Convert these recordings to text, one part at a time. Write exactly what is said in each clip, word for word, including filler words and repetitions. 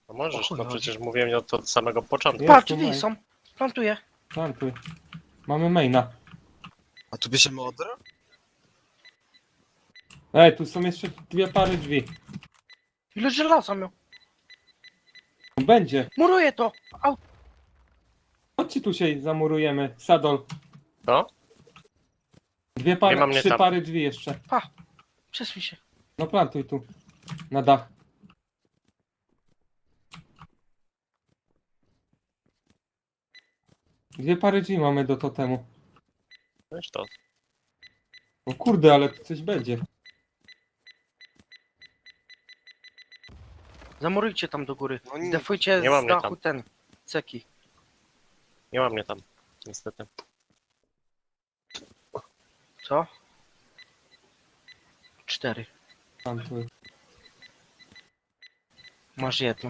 No możesz, O no chuj, przecież mówiłem od, od samego początku. Jest Patrz, tu drzwi main. są. Plantuję. Plantuj. Mamy maina. A tu bierzemy odra? Ej, tu są jeszcze dwie pary drzwi. Ile żelaza miał? Będzie. Muruję to. Au. Chodźcie tu się zamurujemy. Sadol. No? Dwie Nie pary, ma mnie trzy tam. pary drzwi jeszcze. Pa. Przesuń się. No plantuj tu. Na dach. Dwie pary drzwi mamy do totemu. Wiesz to. O kurde, ale tu coś będzie. Zamurujcie tam do góry. No nie, Zdefujcie nie ma z mnie dachu tam. ten. Ceki. Nie ma mnie tam, niestety. Co? Cztery. Plantuj. Masz jedną.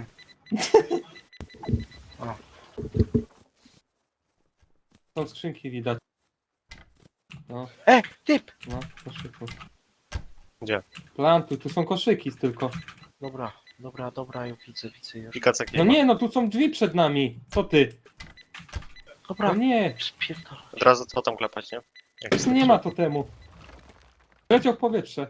Są skrzynki widać. No, E, typ! no, koszyku. Gdzie? Plantuj, tu są koszyki tylko. Dobra, dobra, dobra, ja widzę, widzę już. Pikacek nie No ma. nie, no tu są drzwi przed nami. Co ty? Dobra, No nie, spierdol. Od razu co tam klepać, nie? Jak jest tu nie ma totemu. Leciał w powietrze.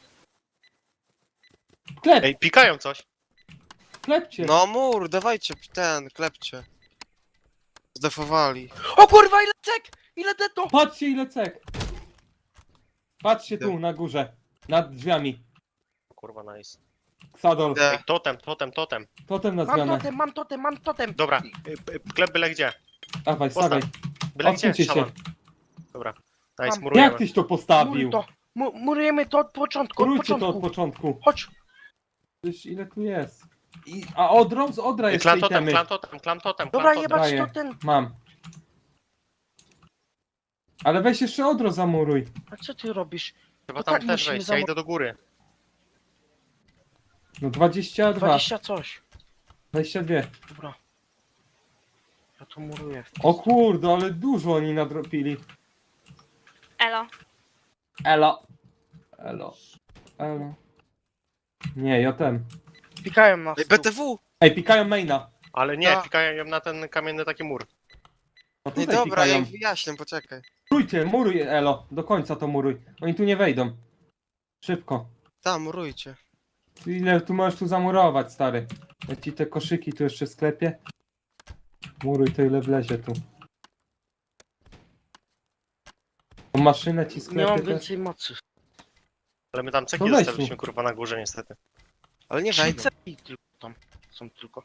Klep, Ej, pikają coś! klepcie. No mur, dawajcie ten, klepcie. Zdefowali. O kurwa, ile cek! Ile deto! Patrzcie ile cek. Patrzcie tu, na górze. Nad drzwiami. Kurwa, nice. Sadol. Idę. Ej, totem, totem, totem. Totem na Mam zmianę. totem, mam totem, mam totem! Dobra, y, y, klep byle gdzie. Dawaj, Postaw. stawiaj. Byle gdzie, Odsuńcie się. szaman. Dobra. Nice, Mam. murujemy. Jak tyś to Muruj postawił? to! Mu murujemy to od początku, od Rójcie to od początku. początku. Chodź! Przecież ile tu jest? I, a odrą z odra Ej, jeszcze Klan totem, itemy. klan totem, klan totem, Dobra, klan totem. jebać Daję. to ten... Mam. Ale weź jeszcze odro zamuruj. A co ty robisz? Chyba No tam tak, też musimy wejść, ja zamur- idę do góry. No dwadzieścia dwa. Dwadzieścia coś. dwadzieścia dwa. Dobra. Ja to muruję. O kurde, ale dużo oni nadropili. Elo. Elo. Elo. Elo. Nie, ja ten. Pikają nas Ej, tu. B T W! Ej, pikają maina. Ale nie, No. pikają na ten kamienny taki mur. No Ej, tutaj dobra, ja pikają. im wyjaśnię, poczekaj. Murujcie, muruj Elo. Do końca to muruj. Oni tu nie wejdą. Szybko. Tam, murujcie. Ile tu możesz tu zamurować, stary? Jak ci te koszyki tu jeszcze w sklepie? Muruj to ile wlezie tu. Tą maszynę ci Nie sklepie mam też? więcej mocy. Ale my tam ceki No weź zostawiliśmy tu. kurwa na górze niestety. Ale nie Trzy wejdą. ceki tylko tam są tylko.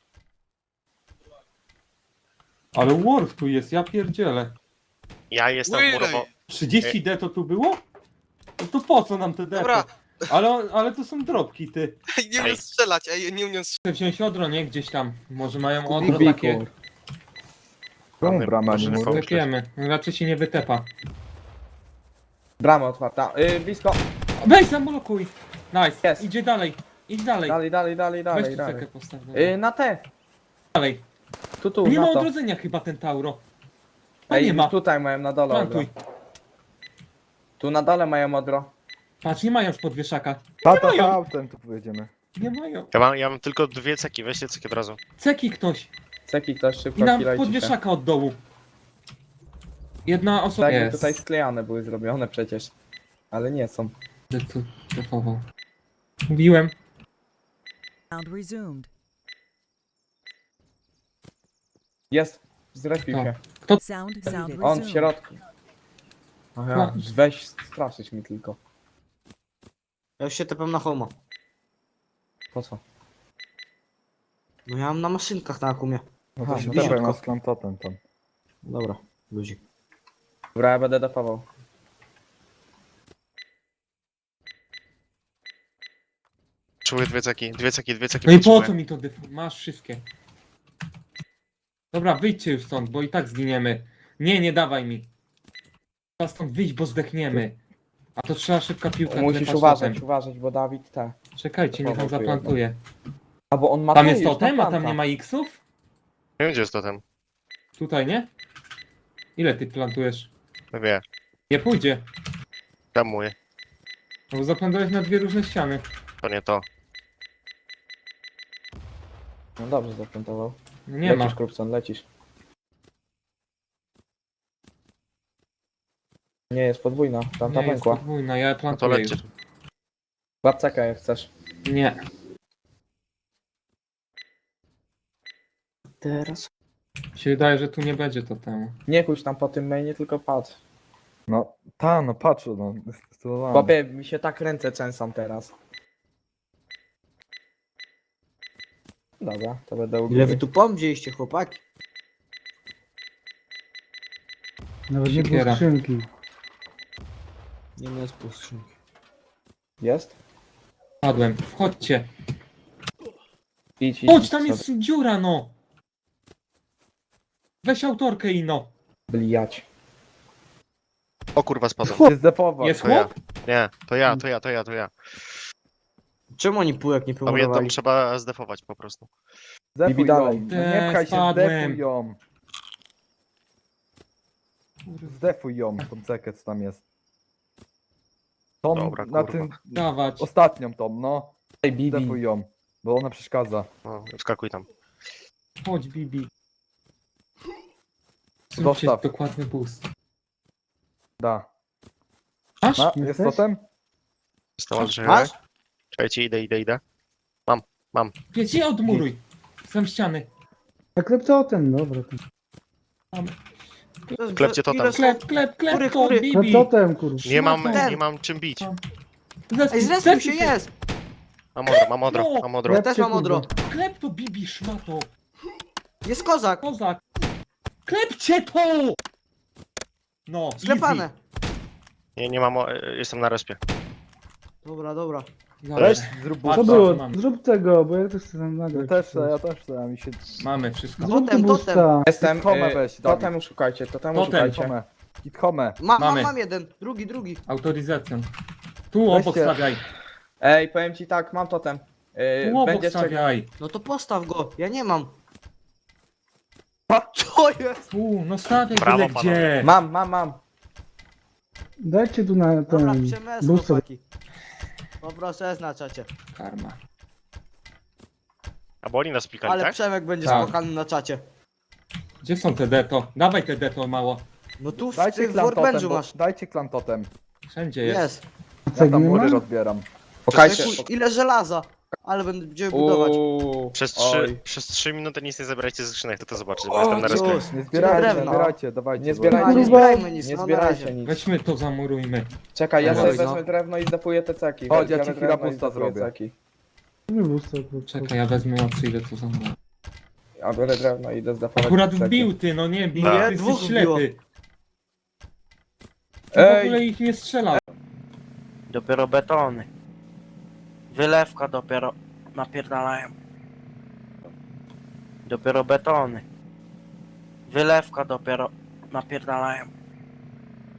Ale Worf tu jest, ja pierdzielę. Ja jestem Ujej. murowo... trzydzieści D to tu było? No to po co nam te D? Dobra. Ale, ale to są drobki, ty. Ej, nie Ej. umiem strzelać, ej, nie umiem strzelać. Chcę wziąć odro, nie? Gdzieś tam. Może mają odro Kubiku. takie... Czemu Mamy brama nie maszyny muruje? fałszywe. Klepiemy. Raczej się nie wytepa. Brama otwarta. Yy, blisko. Weź zamolokuj! Nice. Jest. Idzie dalej. Idź dalej. Dalej, dalej, dalej, Weź dalej, tu dalej. cekę postaw. Yy, na te. Dalej. Tu, tu, Nie na ma to. odrodzenia chyba ten Tauro. A Ej, nie ma. tutaj mają na dole odro. Plantuj. Tu na dole mają odro. Patrz, nie mają już podwieszaka. Tata, mają. autem tu pojedziemy. Nie mają. Ja mam, ja mam tylko dwie ceki, weźcie ceki od razu. Ceki ktoś. Ceki ktoś I szybko nam chwilę podwieszaka od dołu. Jedna osoba Tak, jest. tutaj sklejane były zrobione przecież. Ale nie są. Tu defował. Mówiłem. Sound resumed. Jest. Zrespił No. się. Sound sound On w resumed. środku. Aha, No. weź straszyć mi tylko. Ja już się tepam na homo. Po co? No ja mam na maszynkach na akumie. No Aha, to się bliziutko. tepaj na sklantotem tam. Dobra, ludzi. Dobra, ja będę defował. Czuły dwie ceki, dwie ceki, dwie ceki No i po potrzebuję. co mi to defu? Masz wszystkie. Dobra, wyjdźcie już stąd, bo i tak zginiemy. Nie, nie dawaj mi. Trzeba stąd wyjść, bo zdechniemy. A to trzeba szybka piłka. Musisz klepać uważać, totem. uważać, bo Dawid te. Czekajcie, niech on Defował tu zaplantuje. A bo on ma Tam tu jest już totem, na a tam planta. nie ma X-ów? Nie wiem gdzie jest totem. Tutaj, nie? Ile ty plantujesz? No wie, Nie pójdzie. tamuję. No bo zaplantujesz na dwie różne ściany. To nie to. No dobrze zaplantował. Nie lecisz, ma. Krupson, lecisz. Nie, jest podwójna, tam ta Nie jest pękła. podwójna, ja No to plantuję już. lećcie. Łapcaka jak chcesz. Nie. Teraz. Mi się wydaje, że tu nie będzie to temu. Nie chuć tam po tym mainie, tylko patrz. No, ta, no patrz, no, zdecydowałem. Chłopie, mi się tak ręce trzęsą teraz. Dobra, to będę u Ile wy góry. tu pom wzięliście, chłopaki? Nawet nie było Siekiera. skrzynki. Nie ma z skrzynki. Jest? Padłem. Wchodźcie. Idź, idź. Chodź, idź tam sobie. jest dziura, no. Weź autorkę, Ino. Blijać. O kurwa, spadłem. Się zdefował. Jest To ja. chłop? Nie, to ja, to ja, to ja, to ja. Czemu oni półek nie Tam jedną pomurowali? trzeba zdefować po prostu. Zdefuj Bibi ją. dalej. No nie pchaj się, Spadłem. zdefuj ją. Zdefuj ją, tą cekę, co tam jest. Tą, Dobra, na kurwa. tym, Dawać. ostatnią tą, no. Ej, Bibi. Zdefuj ją, bo ona przeszkadza. No, wskakuj tam. Chodź, Bibi. Zróbcie Dostaw. dokładny boost. Da. Masz? Ma, jest Jesteś? totem? Stała, że... Masz? Czekajcie, idę, idę, idę. Wiecie, odmuruj. Sam ściany. A klep to ten, dobra. to- To jest- Klepcie to ile tam. są- Klep, klep, klep Kury, to, kury. Klep Bibi. totem, kurwa. Nie mam, Szmato. nie mam czym bić. Zespół, Ej, zrespił się, jest! Mam odro, mam odro, No. mam odro. Ja też mam odro. Klep to, Bibi, szmato. Jest kozak! Kozak. Klepcie to! No, Sklepane! Nie, nie mam, o- jestem na respie. Dobra, dobra. easy. Weź, Dobra. zrób Patrz, Co busta. było? mam. Zrób tego, bo ja też chcę tam Ja nagrać. też chcę, ja też chcę, a mi się... Mamy wszystko. Zrób Totem, tu totem. boosta. Jestem. Home y, weź, Dawid. Totemu szukajcie, totemu Totem, szukajcie. Home. Hit home. Ma, mam, Mamy. mam jeden, drugi, drugi. Autoryzacją. Tu obok Weźcie. stawiaj. Ej, powiem ci tak, mam totem. Y, Tu obok będzie czekał. stawiaj. No to postaw go, ja nie mam. Co jest? Tu, no stawiaj Brawo, byle panowie. gdzie. Mam, mam, mam. Dajcie tu na Dobra, ten przemysł, booster. chłopaki. Poproszę jest na czacie. Karma. A bo oni nas pikali, Ale tak? Przemek będzie Tak. spłakany na czacie. Gdzie są te deto? Dawaj te deto mało. No tu w, Dajcie ty, w klan totem, workbenchu bo, masz. dajcie klan totem. Wszędzie jest. Jest. Ja Cegły tam nie mury ma? rozbieram. Pokajcie. Ej, ku- Ile żelaza. Ale będziemy budować. Uuu, Przez trzy, oj. przez trzy minuty nic nie zabierajcie ze skrzynek, to to zobaczyć, bo jestem na O, respie. Jezus. Nie zbierajcie, nie drewno. zbierajcie, dawajcie. Nie bo- zbierajcie. A, nie Kurwa. zbierajmy nic, Nie no na zbierajcie razie. nic. Weźmy to, zamurujmy. Czekaj, ja Dobra, sobie no. wezmę drewno i zdefuję te ceki. Chodź, ja Biorę ci drewno chwila i busta zdefuję zrobię. ceki. Nie booster, kurwa. Czekaj, ja wezmę mocy, ile to zamuruje. Ja biorę drewno i idę zdefować Akurat ceki. wbił ty, no nie bij, Tak. ty Dwóch jesteś wbiło. ślepy. Ty w Ej. ogóle ich nie strzelał. Dopiero betony. Wylewka dopiero napierdalają. Dopiero betony. Wylewka dopiero napierdalają.